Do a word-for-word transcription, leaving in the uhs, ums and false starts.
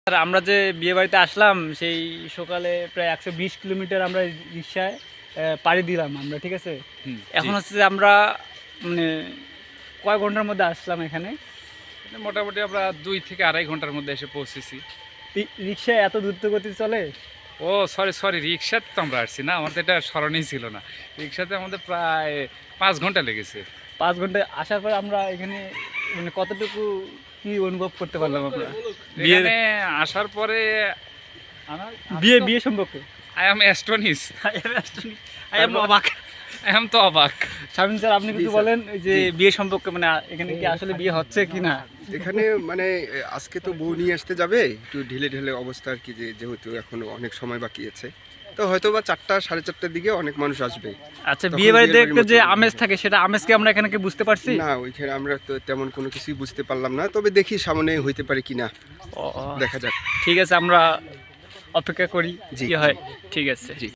আমরা যে বিয়ে বাড়িতে আসলাম সেই সকালে প্রায় একশো বিশ কিলোমিটার আমরা রিক্সায় পাড়ি দিলাম আমরা, ঠিক আছে। এখন হচ্ছে যে আমরা মানে কয় ঘন্টার মধ্যে আসলাম এখানে? মোটামুটি আমরা দুই থেকে আড়াই ঘন্টার মধ্যে এসে পৌঁছেছি। রিক্সায় এত দ্রুত গতি চলে? ও সরি সরি রিক্সাতে তো আমরা আসছি না, আমাদের এটা স্মরণেই ছিল না। রিক্সাতে আমাদের প্রায় পাঁচ ঘন্টা লেগেছে। পাঁচ ঘন্টা আসার পর আমরা এখানে মানে কতটুকু কি অনুভব করতে পারলাম আমরা এখানে আসার পরে? বিয়ে বিয়ে সম্পর্কে I am astonish, I am অবাক, আই এম তো অবাক। শামীম স্যার আপনি কিছু বলেন এই যে বিয়ে সম্পর্কে, মানে এখানে কি আসলে বিয়ে হচ্ছে কি না? এখানে মানে আজকে তো বউ নিয়ে আসতে যাবে, একটু ঢিলে ঢিলে অবস্থা আর কি, যে যেহেতু এখনো অনেক সময় বাকি আছে, তো হয়তো বা চারটা সাড়ে চারটার দিকে অনেক মানুষ আসবে। আচ্ছা, বিয়ে বাড়িতে একটা যে আমেজ থাকে সেটা আমেজ কি আমরা এখানে কি বুঝতে পারছি? না, ওইখানে আমরা তো তেমন কোনো কিছুই বুঝতে পারলাম না, তবে দেখি সামনে হইতে পারে কিনা, দেখা যাক। ঠিক আছে, আমরা অপেক্ষা করি জি কি হয়। ঠিক আছে। জি।